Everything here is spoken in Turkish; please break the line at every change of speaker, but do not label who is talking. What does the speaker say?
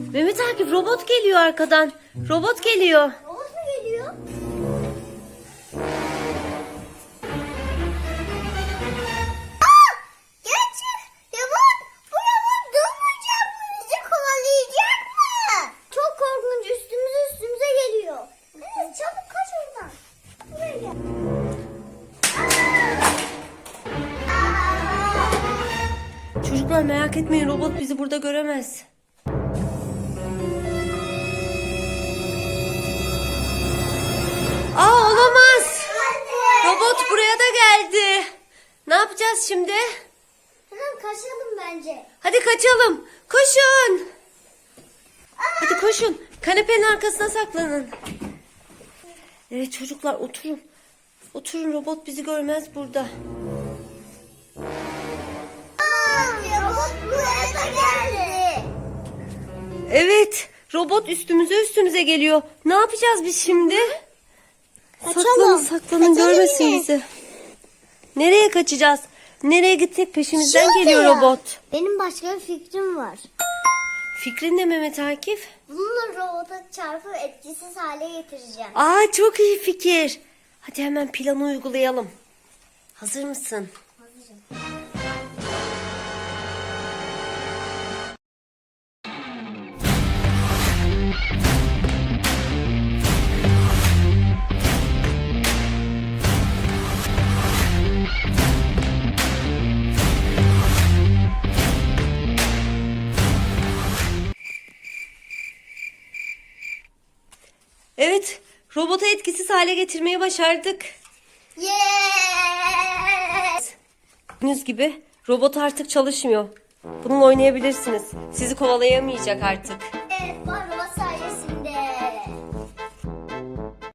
Mehmet Akif, robot geliyor arkadan. Robot geliyor.
Robot mu geliyor? Gerçek. Bu robot durmayacak mı? Bizi kovalayacak mı? Çok korkunç. Üstümüze geliyor. Evet, çabuk kaç oradan. Buraya gel.
Çocuklar merak etmeyin, robot bizi burada göremez. Aa, olamaz. Robot buraya da geldi. Ne yapacağız şimdi?
Hemen kaçalım bence.
Hadi kaçalım. Koşun. Hadi koşun. Kanepenin arkasına saklanın. Evet çocuklar, oturun. Oturun, robot bizi görmez burada.
Robot buraya da geldi.
Evet, robot üstümüze geliyor. Ne yapacağız biz şimdi?
Kaçalım.
Saklanın, görmesin
yine.
bizi. Nereye kaçacağız? Nereye gitsek peşimizden
Şuraya.
geliyor robot.
Benim başka bir fikrim var.
Fikrin ne Mehmet Akif?
Bununla robota çarpıp etkisiz hale getireceğim.
Aa, çok iyi fikir. Hadi hemen planı uygulayalım. Hazır mısın?
Hazırım.
Evet, robotu etkisiz hale getirmeyi başardık.
Yes!
Gördüğünüz gibi robot artık çalışmıyor. Bununla oynayabilirsiniz. Sizi kovalayamayacak artık.
Evet, var